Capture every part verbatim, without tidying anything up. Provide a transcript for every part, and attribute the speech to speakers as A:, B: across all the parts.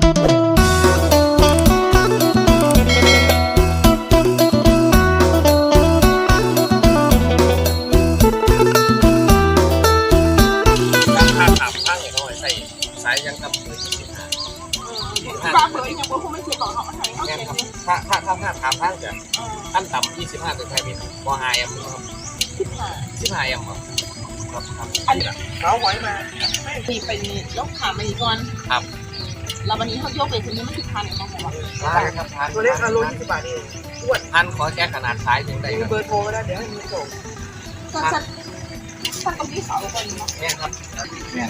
A: สายยังกับเบอร์ยี่สิบห้า
B: บ้าเบอร์ยังบ่คงไม่เคยบอกเขาไทยเขาเก่งเลย
A: ถ้าถ้าถ้าถ้าถามท่านจะท่านต่ำยี่สิบห้าตัวไทยมีบอไฮแอมครับ
B: สิบห้า
A: สิบห้าแอมครับครับครับ
B: อันนี้เขาไว้มาไม่ตีไปยกขามาอีกก่อน
A: ครับ
B: แล้ววันนี้เขาโยกไปทีนี้ไม่ถึงพันเองนะผม
A: ว่าใช่ครับทาน
C: ตัวเล็กอารมณ์ยี่สิบบาทเองอ้วน
A: ท่านขอแค่ขนาดซ้ายถึงได้
C: มีเบอร์โทรก็ได้เดี๋ยวให้มีส่ง
B: สั้นสั้นสั้นตรงที่เสาคนนี้
A: เนี่ยครับเนี่ย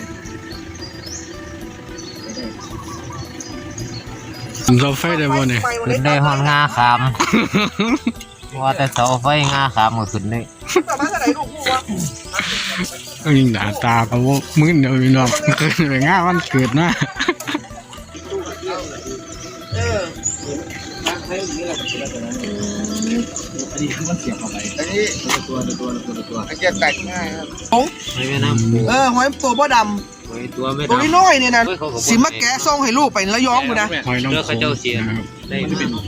D: เราไฟได้บ่เนี่ย
E: ขึ้นได้ห้องงาคำว่าแต่เสาไฟงาคำก็ขึ้นได้
C: ต่อมาเท่าไหร่ลูกพูดว่า
D: ก็ยิงด่าตาเขาว่ามึนเดี๋ยวพี่น้องขึ้นไปง่าวันเกิดนะ
C: เออ
A: ใช้อย่างนี้แหละอันนี้มันเสียบเข้าไปอันนี้ตัวตัวตัวตัวตัวอันจะแตกง่ายครับ
C: โอ้
E: ไม่แม่น้ำปู
C: เออหอยตัวบ่ดำ
E: ตัวไม่
C: ตัวน้อยเนี่ยนะสิมาแกะส่งให้ลูกไปแล้วย้อมกูนะ
D: หอยน้อง
E: เขาเจ้าเสียได้
D: มันเป็น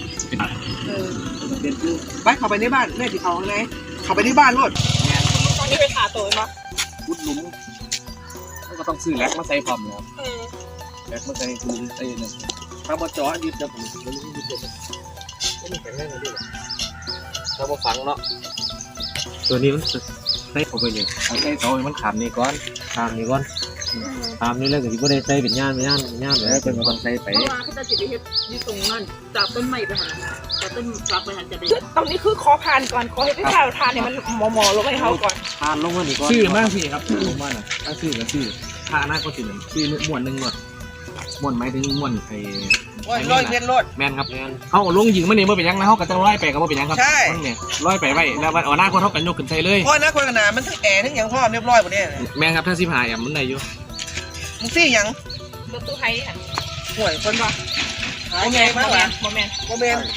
C: ไปเข้าไปในบ้านแม่ติเขาไงเข้าไปในบ้านรถ
B: ตอนนี้ไปขาตัวมั้ย
A: พุดหลุมก็ต้องซื้อแล็กมาใส่พร้อมนะครับแล็กมาใส่คือใส่เนี่ยถ้ามาจ่อดิบจะผมไม่รู้ดิบจะไม่มีแข็งแรงเลยดิถ้ามาฝังเนาะ
E: ตัวนี้มัน
A: ใส่เข้าไปเลยใส่เตาให้มันขามนี่ก่อน
E: ขามนี่ก่อนขามนี่แล้วก็ที่บ่ได้ใส่เป็นย่านเป็นย่านเป็นย่านเลย
A: เป็นคนใส่ไป
B: เพราะว่าเขาจะจิตวิทยาอยู่ตรงนั้นจากต้นไม้ไปหาจากต้นจากไปหาจะไปตรงนี้คือขอผ่านก่อนขอให้พี่ชายทานเนี่ยมันหมอหมอลงให้เขาก่อน
A: ทานลงมานี่ก่อนชื่อมากสิครับลงมาน่ะถ้าชื่อก็ชื่อทาหน้าก็ชื่อชื่อม้วนหนึ่งหมดม้วนหมายถึงม้วนไอ้
C: ร้อยเม็ดรถ
A: แมนครับเขาลงยิงมันนี่เมื่อเป็นยังนะเขาก็จะร้อยไปกับเมื่อเป็นยังครับ
C: ใช่
A: เนี่ยร้อยไปไว้แล้ววันหน้าคนเขากันยกขึ้นใส่เลย
C: เพราะหน้าคนขนาดมันทั้งแอร์ทั้งอย่างพ่อเรียบร้อยหมดเนี่ย
A: แมนครับถ้าสิบหายอ่ะมันได้อยู่
C: มึงซี่ยัง
B: รถตู้ไทยค่ะ
C: ห่วยคนปะ
B: หายไงมากเลยโมเมนต์
C: โมเมนต์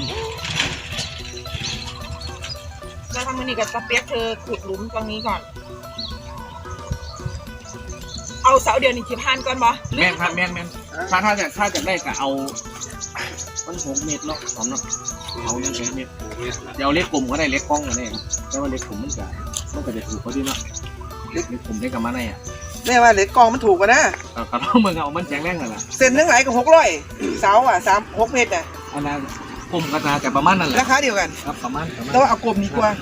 B: แล้วทำมันนี่กับสเปียกเธอขุดหลุมตรงนี้ก่อนเอาเสาเดียวนี่ที่ผ่านก่อนบ่
A: แมนครับแมนแมนถ้าถ้าจะถ้าจะได้ก็เอามันหกเมตรเนาะสองเนาะเอาเนี่ยเมตรเดี๋ยวเล็กกลุ่มก็ได้เล็กกล้องก็ได้ครับแต่ว่าเล็กกลุ่มมันจะมันก็จะถูกเขาดีเนาะเล็กกลุ่มได้กับมันไงอ่ะ
C: แม่ว่าเล็กกองมันถูกกว่านะ
A: ก็ต้องมึงเอามันแจ้งแรงเลยล่ะ
C: เส้นทั้งหลายก็หกร้อยเสาอ่ะสามหกเมตรอ่ะ
A: อันนั้นกลุ่มก็จะประมาณนั่นแหละ
C: ราคาเดียวกัน
A: ครับประมาณ
C: แต่ว่าเอากลุ่มดีกว่า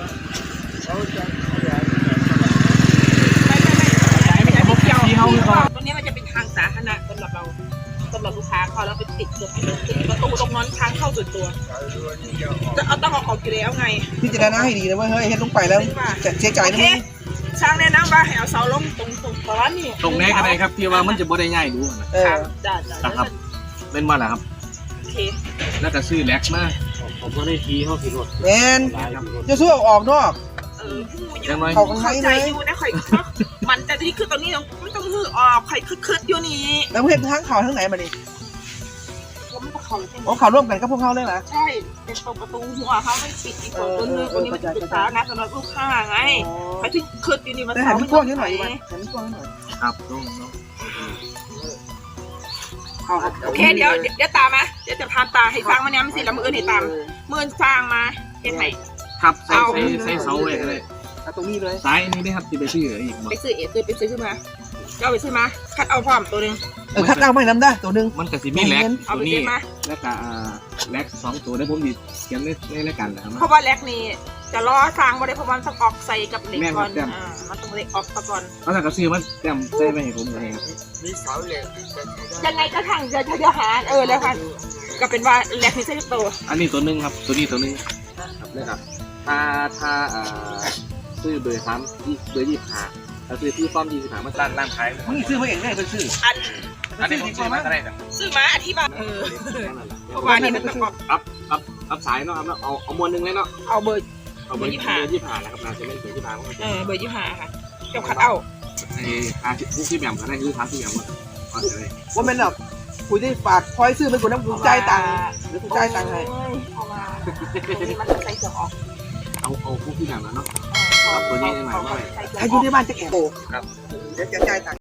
B: ตรงนี้มันจะเป็นทางสาธารณะสำหรับเราสำหรับลูกค้าพอเราไปติดเกือบติดประตูตรงนั้นทางเข้าส่วนตัวจะเอาต้องเอาออกอยู่แล้วไง
C: พี่จะได้น่าให้ดีนะเว้ยเฮ้ยเฮ็ดลงไปแล้วจะเสียใจนะ
B: ช่างแนะนำว่าให้เอาเสาลงตรงตรงก้อนนี่
A: ตรงนี้ก็ได้ครับที่ว่ามันจะบ่ได้ง่ายดู
B: นะครับจ้าจ้า
A: ครับเป็นว่าอะไรครับ
B: โอเค
A: แล้วก็ซื้อแล็กมา
E: ผมก็ได้ทีเขาขี่รถ
C: แมนจะสู้ออกนอก
B: เออเขาเข้าใจอยู่นะข่อยมันแต่ที่คือตอนนี้มันต้องหื้อออกข่อยคึดๆอยู่นี่
C: แล้วเห็นทั้งเขาทั้งไหนมาดิโอ้เขาร่วมกันกับพวกเขาเลยเหรอ
B: ใช่เป็นตรงประตูหัวเขาไม่ปิดอีกตัวนึงตัวนี้มันปิดตานะสำหรับลูกค้าไงข่อยถึงคึดอยู่นี่มัน
C: แต่หันพวกนี้หน่อยดีกว่าหันพวกนี้หน่อย
A: ครับน้องน้อง
B: โอเคเดี๋ยวเดี๋ยวตามมาเดี๋ยวจะพาตาให้ฟังมันเนี่ยมันสิแล้วมือให้ตามมือสร้างมาเห็นไหม
A: ครับใส่ใส่เสาไว้ก็ได้
C: ตรงนี้เลย
A: ซ้ายนี่ได้ครับที่ไปซื้ออีก
B: ไปซื้อเอซื้อไปซื้อขึ้นมาเจ้าไปซื้อมาคัดเอาพร้อมตัวนึง
C: เออคัดเอาไม่น้ำได้ตัวนึง
A: มันกับซีมีแล็กตัวนี้แล้วก็แล็กสองตัวได้ผมดีเขียนในในรายการนะครับ
B: เพราะว่าแล็กนี่จะล้อสร้างบ่ได้เพราะมันต้องออกใส่กับเหล็กก่อนอ่ามันต้องเหล็กออกก่อน
A: แล้วถ้าก็ซื้อมันแต้มใส่ไปให้ผมเลยครับ
C: มีเสาเหล็ก
B: ยังไงก็ทางจะจะหาเออแล้วค่ะก็เป็นว่าแล็กนี่ใช่ตัว
A: อันนี้ตัวนึงครับตัวนี้ตัวนึงครับเลยครับถ้าถ้าอ่าซื้อเบอร์สามเบอร์ยี่สิบห้าเราซื้อที่ฟ้อมยี่สิบห้ามาตั้งร้านขาย
C: มึงซื้อมาเองได้เป็นซื้อ
B: อัน
A: อันนี้ผมซื้อมาอะไรนะ
B: ซื้อมาอธิบายเออเพราะว่านี่มันต้อง
A: อัพอัพอัพสายเนาะครับเอาเอามวนหนึ่งเลยเนาะ
B: เอาเบอร์
A: เอาเบอร์ยี่สิบห้ายี่สิบห้านะครับน่าจะเป็นเบอร์ยี่สิบห้า
B: เออเบอร์ยี่สิบห้าค่ะเจ้าคัดเอา
A: ไอ้ทาผู้ที่แบบกันได้คือทาที่แบบว่า
C: ว่าเป็นแบบคุยได้ฝากคอยซื้อเป็นคนน้ำกุญแจตังค์หรือกุญแจตังค์ให้
B: เพราะว่ามันใส่เสื้อออก
A: เอาเอาผู้ที่แบบนั้นเนาะตัวนี้ได้ไหมว่า
C: ใครอยู่ในบ้านจะแอบโตครับ
A: เ
C: ดี๋ยวจะจ่ายตังค์